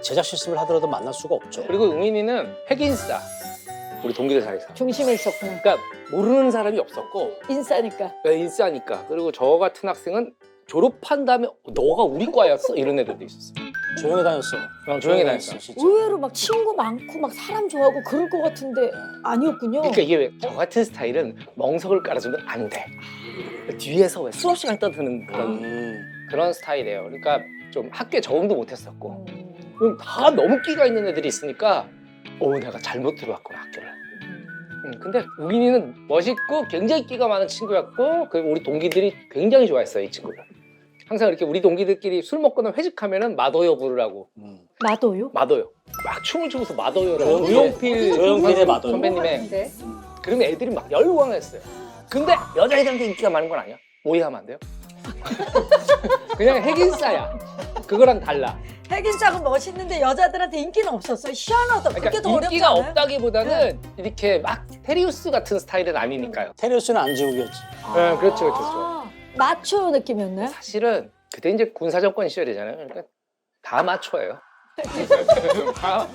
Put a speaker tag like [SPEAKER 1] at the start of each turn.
[SPEAKER 1] 제작 실습을 하더라도 만날 수가 없죠.
[SPEAKER 2] 그리고 웅인이는 핵인싸. 우리 동기들 사이에서.
[SPEAKER 3] 중심에 있었구나.
[SPEAKER 2] 그러니까 모르는 사람이 없었고
[SPEAKER 3] 인싸니까.
[SPEAKER 2] 인싸니까. 그리고 저 같은 학생은 졸업한 다음에 너가 우리 과였어? 이런 애들도 있었어.
[SPEAKER 1] 조용히 다녔어.
[SPEAKER 2] 조용히 다녔어.
[SPEAKER 1] 진짜.
[SPEAKER 3] 의외로 막 친구 많고 막 사람 좋아하고 그럴 것 같은데 아니었군요.
[SPEAKER 2] 그러니까 이게 왜 저 같은 스타일은 멍석을 깔아주면 안 돼. 뒤에서 왜 수업 시간 떠드는 그런 스타일이에요. 그러니까 좀 학교에 적응도 못했었고 다 너무 끼가 있는 애들이 있으니까 내가 잘못 들어왔구나 학교를. 근데 우gin이는 멋있고 굉장히 끼가 많은 친구였고 그리고 우리 동기들이 굉장히 좋아했어요 이 친구를. 항상 이렇게 우리 동기들끼리 술 먹거나 회식하면은 마더요 부르라고.
[SPEAKER 3] 마도요?
[SPEAKER 2] 마더요. 막 춤을 추면서 마더요를
[SPEAKER 1] 조용필, 조용필의 마더요.
[SPEAKER 2] 선배님의. 그러면 애들이 막 열광했어요. 근데 여자애들한테 인기가 많은 건 아니야. 오해하면 안 돼요. 그냥 핵인싸야. 그거랑 달라.
[SPEAKER 3] 핵인싸고 멋있는데 여자들한테 인기는 없었어요. 희한하다. 그게
[SPEAKER 2] 그러니까
[SPEAKER 3] 더 어렵지
[SPEAKER 2] 인기가
[SPEAKER 3] 않아요?
[SPEAKER 2] 없다기보다는 이렇게 막 테리우스 같은 스타일은 아니니까요.
[SPEAKER 1] 테리우스는 안지욱이었지.
[SPEAKER 2] 네, 그렇죠, 그렇죠.
[SPEAKER 3] 아, 마초 느낌이었나요?
[SPEAKER 2] 사실은 그때 이제 군사정권 시절이잖아요. 그러니까 다 마초예요. 다